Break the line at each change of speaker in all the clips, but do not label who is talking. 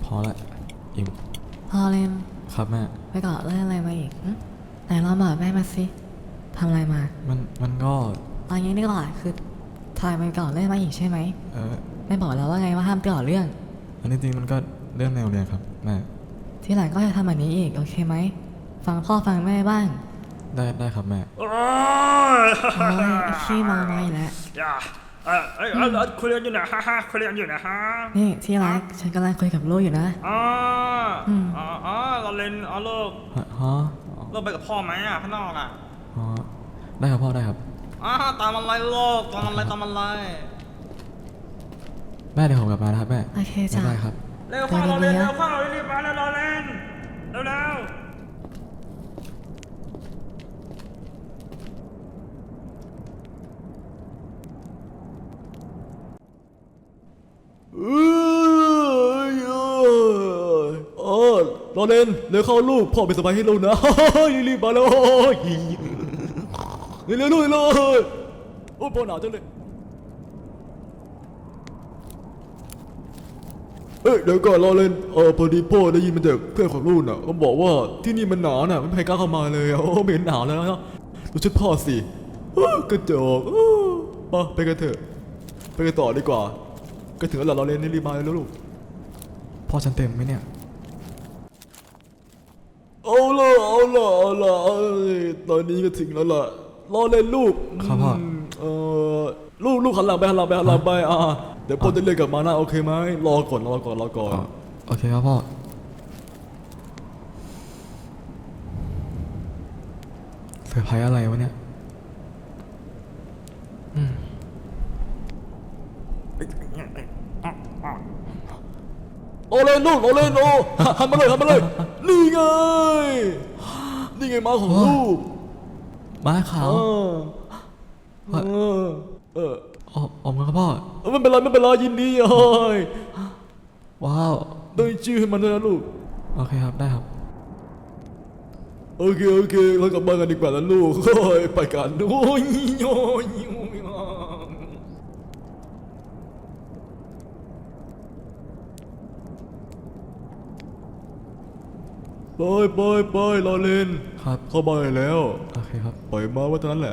อละอิม
พอเล่น
ครับแม่
ไปเกาะเล่นอะไรมาอีกไหนลองบอกแม่มาสิทำอะไรมา
มันก็
ตอนนี้นี่ก่อนคือทายไปเกาะเล่นมาอีกใช่ไหมแม่บอกแล้วว่าไงว่าห้ามเกาะเรื่อง
อันนี้จริงมันก็เรื่องในโรงเรียนครับแม่
ที่หลังก็จะทำแบบนี้อีกโอเคไหมฟังพ่อฟังแม่บ้าง
ได้ครับแม่
โอ้ยขี้เมาไม่แล้ว
คุยกันอยู่นะฮ่าคุยกันอยู่นะฮะ
นี่ที่รักฉันกำลังคุยกับลูกอยู่นะ
เราเล่นลูกลูกไปกับพ่อไหมข้างนอก
ได้ครับพ่อได้ครับ
ตามอะไรลูกตามอะไร
แม่เดี๋ยวผมกลับมานะครับแม่
โอเคจ้ะ
ได้ครับ
เร็วเข้าเราเล่นเร็วเข้าเรารีบมาแล้วเราเล่นเร็ว
รอเล่นเร็วเข้าลูกพ่อเป็นสบายให้ลูกนะรีบมาเลยเร็วลูกเลยโอ้พ่อหนาวจังเลยเดี๋ยวก่อนรอเล่นพอดีพ่อได้ยินมาจากเพื่อนของลูกน่ะเขาบอกว่าที่นี่มันหนาวน่ะไม่มีใครกล้าเข้ามาเลยไม่เห็นหนาวแล้วนะดูชุดพ่อสิกระจกไปกันเถอะไปกันต่อดีกว่าก็ถึงแล้วรอเล่นรีบมาแล้วลูก
พ่อฉันเต็มไหมเนี่ย
เอาล่ะตอนนี้ก็ถึงแล้วล่ะรอเล่นลูก
ครับพ่อ
ลูกหันหลังไปเดี๋ยวพ่อจะเรียกกลับมานะโอเคไหมรอก่อน
โอเคครับพ่อเซอร์ไพรส์อะไรวะเนี่ย
รอเล่นลูกรอเล่นหันมาเลยนี่ไงม้าของลูก
ม้าขาวออกมาครับพ่อ
ไม่เป็นไรยินดี
ว้าว
ต้องชื่อให้มันนะลูก
โอเคครับได้ครับ
โอเคเรากลับบ้านกันดีกว่านะลูกไปกันโอ้ยไปรอเล่น
ครับ
เข้าบ้านแล้ว
โอเคครับ
ปล่อยมาว่าเท่านั้นแหละ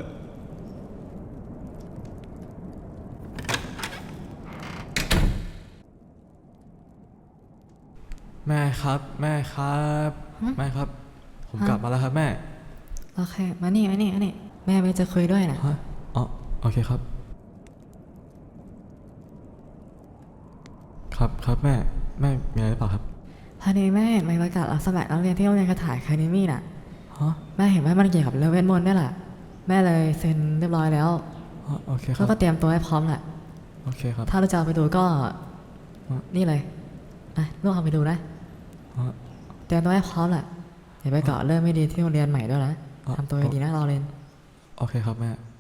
แม่ครับผมกลับมาแล้วครับแม่
โอเคมานี่แม่ไปจะคุยด้วยนะ
โอเคครับครับแม่มีอะไรหรือเปล่าครับ
พอดีแม่เห็นใบประกาศรับสมัครนักเรียนที่โรงเรียนกระถายคาเดมี่น่ะแม่เห็นว่ามันเกี่ยวกับเรื่องเวทมนต์นี่แหละแม่เลยเซ็นเรียบร้อยแล้ว
โอเคครับ
ก็เตรียมตัวให้พร้อมแหละ
โอเคครับ
ถ้าเราจะเอาไปดูก็นี่เลยลูกเอาไปดูนะเตรียมตัวให้พร้อมแหละอย่าไปเกาะเรื่องไม่ดีที่โรงเรียนใหม่ด้วยนะทำตัวดีนะเราเรียน
โอเคครับแม่